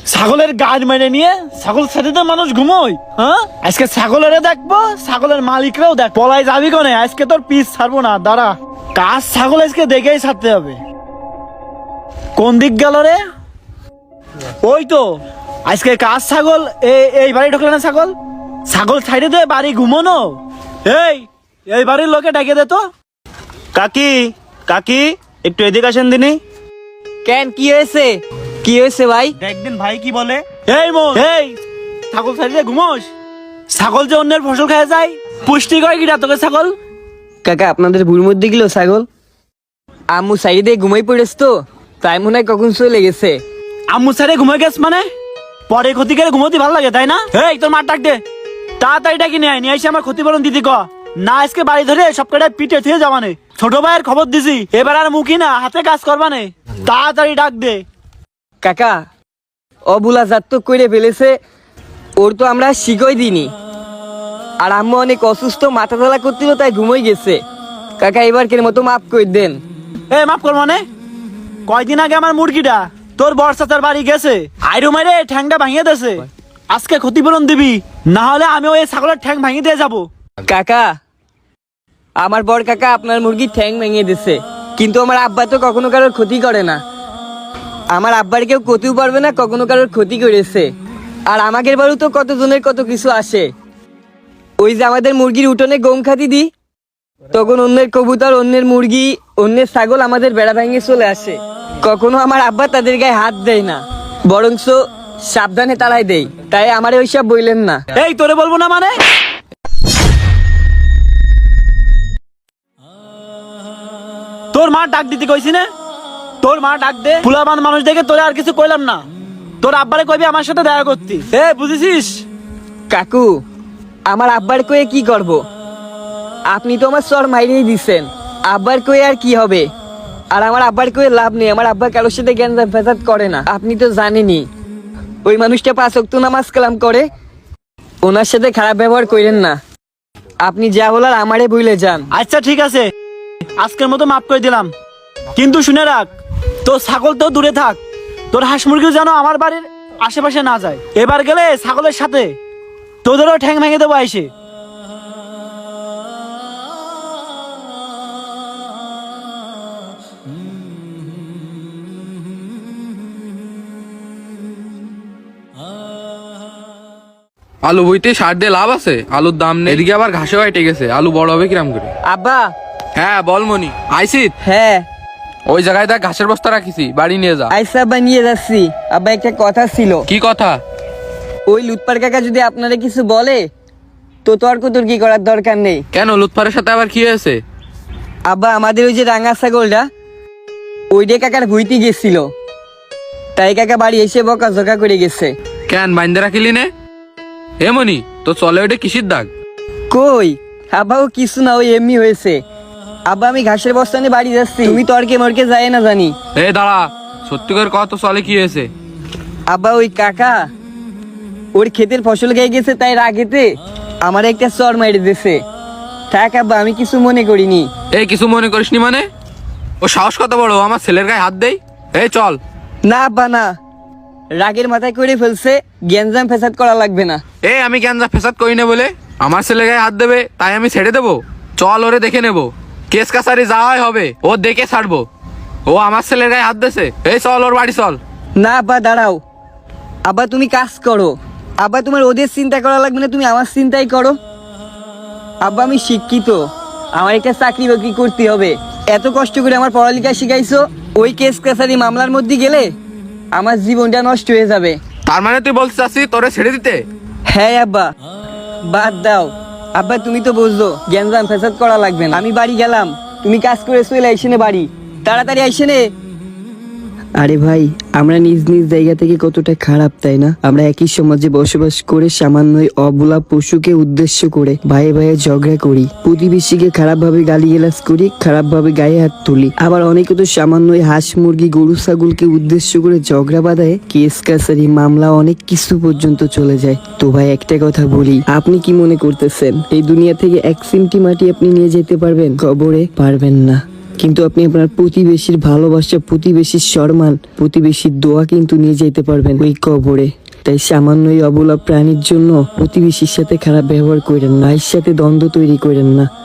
ছাগলের গাড় মেরে নিয়ে ছাগল ছেড়ে তো মানুষ ঘুমোয়। হ্যাঁ, আজকে ছাগলের দেখবো, ছাগলের মালিকরাও দেখ। পলাই যাবি কোনে? আজকে তোর পিস ছাড়বো না, দাঁড়া। কাজ ছাগল আজকে দেখেই ছাড়তে হবে। কোন দিক গেল রে? ওই তো আজকে কাজ ছাগল। এই বাড়ি ঢুকলে না ছাগল? ছাগল ছাইড়ে দে, বাড়ি ঘুমোনো। এই বাড়ির লোকে ডেকে দে তো। কাকি কাকি একটু এদিকে আসেন দিনি। কেন, কি হয়েছে? কি হয়েছে ভাই? দেখবেন ভাই কি বলে। এই ছাগল ছাইড়ে ঘুমোস? ছাগল যে অন্যের ফসল খেয়ে যায়, পুষ্টি করে কিনা তোকে ছাগল? কাকা, আপনাদের ভুল মধ্যে গেল ছাগল। আম্মু সাইডে দিয়ে ঘুমাই পড়েছ তো, তাই মনে হয় কখন চলে গেছে। আম্মু ছাড়ে ঘুমে গেছ মানে? পরে ক্ষতি করে ঘুমোতে ভালো লাগে তাই না? এই তোর মার ডাক দে, তাড়াতাড়ি ডাকি নিয়ে এসে আমার ক্ষতিপূরণ দিদি ক না। আজকে বাড়ি ধরে সব কটা পিঠে থুয়ে যাবানে। ছোট ভাইয়ের খবর দিছি, এবার আর মুখি না হাতে কাজ করবানে। তাড়াতাড়ি ডাক দে। কাকা, অবুলা জাত তো করে ফেলেছে, ওর তো আমরা শিখই দিইনি। আর আম্মু অনেক অসুস্থ, মাথা ধরা করছিল, তাই ঘুমোই গেছে। কাকা, এবারকের মতো মাফ করে দেন। মাফ কর মানে? কয়দিন আগে আমার মুরগিটা তোর বর্ষাচার বাড়ি গেছে, আইরো মাইরে ঠ্যাংটা ভাঙিয়ে দিয়েছে। আজকে ক্ষতিপূরণ দিবি, না হলে আমি ওই ছাগলের ঠ্যাং ভাঙিয়ে দিয়ে যাবো। কাকা, আমার বড় কাকা আপনার মুরগির ঠ্যাং ভেঙে দিছে, কিন্তু আমার আব্বা তো কখনো কারোর ক্ষতি করে না। আমার আব্বার কেউ ক্ষতিও পারবে না, কখনো কারোর ক্ষতি করেছে। আর আমাদের বাড়িও তো কতজনের কত কিছু আসে। ওই যে আমাদের মুরগির উঠোনে গম খাতি দিই, তখন অন্যের কবুতর, অন্যের মুরগি, অন্যের ছাগল আমাদের বেড়া ভেঙে চলে আসে। কখনো আমার আব্বা তাদের গায়ে হাত দেয় না, বরঞ্চ সাবধানে তাড়াই দেয়। তাই আমারে ওইসব বললেন না। এই তোরে বলবো না মানে? তোর মা ডাক দিতে কইছি না? তোর মা ডাক দে। ফুলাবান মানুষ দেখে তোরে আর কিছু কইলাম না। তোর আব্বারে কইবি আমার সাথে দেখা করতি। বুঝেছিস? কাকু, আমার আব্বার কয়ে কি করব? আপনি তো আমার সর মাইরেই দিচ্ছেন, আব্বার কয়ে আর কি হবে? আর আমার আব্বার কয়ে লাভ নেই, আমার আব্বা কারোর সাথে জ্ঞান ফেসাদ করে না। আপনি তো জানেনই, ওই মানুষটা 5 ওয়াক্ত নামাজ কালাম করে। ওনার সাথে খারাপ ব্যবহার করেন না। আপনি যা বলার আমারে ভুলে যান। আচ্ছা ঠিক আছে, আজকের মতো মাফ করে দিলাম। কিন্তু শুনে রাখ, তোর ছাগল তো দূরে থাক, তোর হাঁস মুরগিও যেন আমার বাড়ির আশেপাশে না যায়। এবার গেলে ছাগলের সাথে তোদেরও ঠ্যাং ভেঙে দেবো আইসে। আলু বইতে সার দিয়ে লাভ আছে? আলুর দাম নেই, এদিকে আবার ঘাসে হাইটে গেছে। আলু বড় হবে কিরাম করে? আব্বা। হ্যাঁ বল মনি। আইসিত? হ্যাঁ। ওই জায়গায় দেখ ঘাসের বস্তা রাখিছি, বাড়ি নিয়ে যা। আইসা আব্বা, নিয়ে যাচ্ছি। আব্বা, একটা কথা ছিল। কি কথা? ওই লুৎপার কাকা যদি আপনারা কিছু বলে, তো তর্ক তর্কি করার দরকার নেই। কেন, লুৎফারের সাথে আবার কি হয়েছে? আব্বা, আমাদের ওই যে রাঙা ছাগলটা, ওইটা কাকার ভুইতে গেছিল, তাই কাকা বাড়ি এসে বকা ঝকা করে গেছে। কেন, বাইন্দে রাখিলি নে? এ মনি, তো চলে ওইটা কিসির দাগ? কই আব্বা, ও কিছু না, ওই এমনি হয়েছে। আব্বা, আমি ঘাসের বস্তা নিয়ে বাড়ি যাচ্ছি, তুমি তর্কে মর্কে যায় না জানি। এ দাঁড়া, সত্যি করে কত চলে কি হয়েছে? আব্বা, ওই কাকা ওর ক্ষেতের ফসল খেয়ে গেছে, তাই রাগেতে আমার একটা চর মাইরে দিয়েছে। থাক আব্বা, আমি কিছু মনে করিনি। এই কিছু মনে করিসনি মানে? ও সাহস কত বড়, আমার ছেলের গায়ে হাত দেই? এই চল। না আব্বা, না, রাগের মাথায় করে ফেলছে, গ্যাঞ্জাম ফেসাদ করা লাগবে না। আমি গ্যাঞ্জা ফেসাদ করি না বলে আমার ছেলে গায়ে হাত দেবে তাই আমি ছেড়ে দেবো? চল, ওরে দেখে নেবো, কেস কাছারি যাওয়াই হবে, ও দেখে ছাড়বো। ও আমার ছেলের গায়ে হাত দিয়েছে। এই চল, ওর বাড়ি চল। না আব্বা, দাঁড়াও। আব্বা, তুমি কাজ করো। আব্বা, তোমার ওদের চিন্তা করা লাগবে না, তুমি আমার চিন্তাই করো। আব্বা, আমি শিক্ষিত, আমার একটা চাকরি বাকরি করতে হবে। এত কষ্ট করে আমার পড়ালেখা শিখাইছো, ওই কেস কাছারি মামলার মধ্যে গেলে আমার জীবনটা নষ্ট হয়ে যাবে। তার মানে তুই বলতে চাচ্ছিস তোরে ছেড়ে দিতে? হ্যাঁ আব্বা, বাদ দাও। আব্বা, তুমি তো বুঝছো গ্যাঞ্জাম ফেসাদ করা লাগবে না। আমি বাড়ি গেলাম, তুমি কাজ করে চলে আইসে নে বাড়ি, তাড়াতাড়ি আইসে নে। আরে ভাই, আমরা নিজ নিজ জায়গা থেকে কতটা খারাপ, তাই না? আমরা একই সমাজে বসবাস করে সামান্য অবলা পশুকে উদ্দেশ্য করে ভাইয়ে ভাইয়ে ঝগড়া করি, প্রতিবেশীকে খারাপ ভাবে গালিগালাজ করি, খারাপ ভাবে গায়ে হাত তুলি। আবার অনেকে তো সামান্য হাঁস মুরগি গরু ছাগলকে উদ্দেশ্য করে ঝগড়া বাঁধায়, কেস কাছারি মামলা অনেক কিছু পর্যন্ত চলে যায়। তো ভাই, একটা কথা বলি, আপনি কি মনে করতেছেন এই দুনিয়া থেকে 1 সিমটি মাটি আপনি নিয়ে যেতে পারবেন? কবরে পারবেন না। কিন্তু আপনি আপনার প্রতিবেশীর ভালোবাসা, প্রতিবেশীর সম্মান, প্রতিবেশীর দোয়া কিন্তু নিয়ে যেতে পারবেন ওই কবরে। তাই সামান্য এই অবলা প্রাণীর জন্য প্রতিবেশীর সাথে খারাপ ব্যবহার করেন না, ভাইয়ের সাথে দ্বন্দ্ব তৈরি করেন না।